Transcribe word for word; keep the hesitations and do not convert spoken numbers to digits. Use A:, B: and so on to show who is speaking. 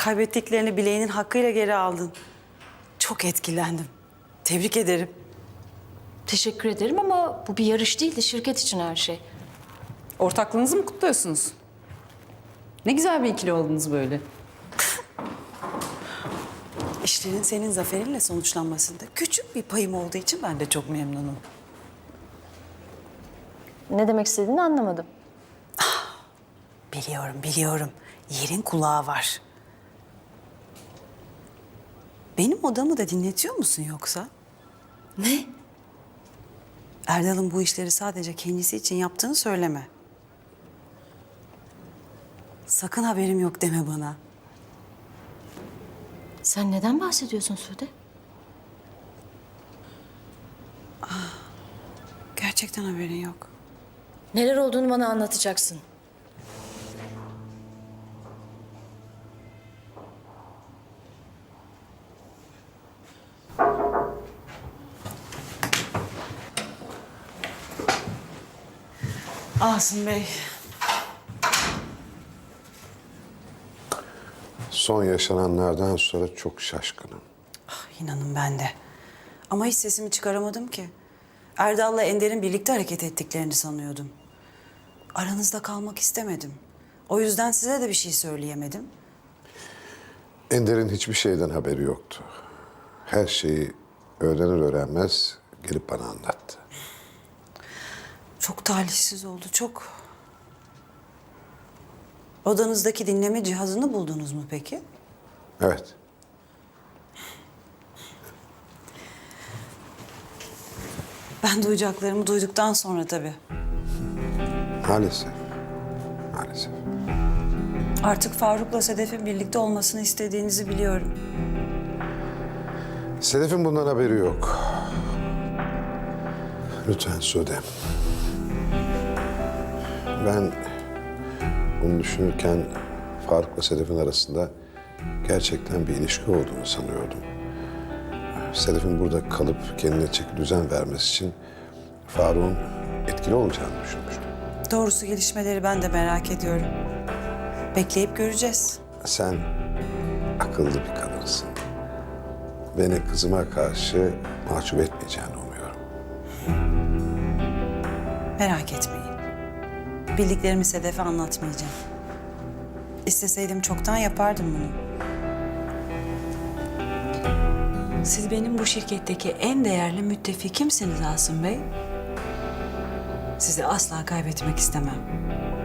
A: Kaybettiklerini bileğinin hakkıyla geri aldın. Çok etkilendim. Tebrik ederim.
B: Teşekkür ederim ama bu bir yarış değildi. Şirket için her şey.
C: Ortaklığınızı mı kutluyorsunuz? Ne güzel bir ikili oldunuz böyle.
A: İşlerin senin zaferinle sonuçlanmasında küçük bir payım olduğu için ben de çok memnunum.
B: Ne demek istediğini anlamadım.
A: Biliyorum, biliyorum. Yerin kulağı var. Benim odamı da dinletiyor musun yoksa?
B: Ne?
A: Erdal'ın bu işleri sadece kendisi için yaptığını söyleme. Sakın haberim yok deme bana.
B: Sen neden bahsediyorsun Sude?
A: Gerçekten haberin yok.
B: Neler olduğunu bana anlatacaksın.
A: Asım Bey.
D: Son yaşananlardan sonra çok şaşkınım.
A: Ah, inanın ben de. Ama hiç sesimi çıkaramadım ki. Erdal'la Ender'in birlikte hareket ettiklerini sanıyordum. Aranızda kalmak istemedim. O yüzden size de bir şey söyleyemedim.
D: Ender'in hiçbir şeyden haberi yoktu. Her şeyi öğrenir öğrenmez gelip bana anlattı.
A: Çok talihsiz oldu, çok. Odanızdaki dinleme cihazını buldunuz mu peki?
D: Evet.
A: Ben duyacaklarımı duyduktan sonra tabii.
D: Maalesef. Maalesef.
A: Artık Faruk'la Sedef'in birlikte olmasını istediğinizi biliyorum.
D: Sedef'in bundan haberi yok. Lütfen Sude. Ben bunu düşünürken Faruk'la Sedef'in arasında gerçekten bir ilişki olduğunu sanıyordum. Sedef'in burada kalıp kendine çeki düzen vermesi için Faruk'un etkili olacağını düşünmüştüm.
A: Doğrusu gelişmeleri ben de merak ediyorum. Bekleyip göreceğiz.
D: Sen akıllı bir kadınsın. Beni kızıma karşı mahcup etmeyeceğini umuyorum.
A: Merak etmeyin. Bildiklerimi Sedef'e anlatmayacağım. İsteseydim çoktan yapardım bunu. Siz benim bu şirketteki en değerli müttefikimsiniz Asım Bey. Sizi asla kaybetmek istemem.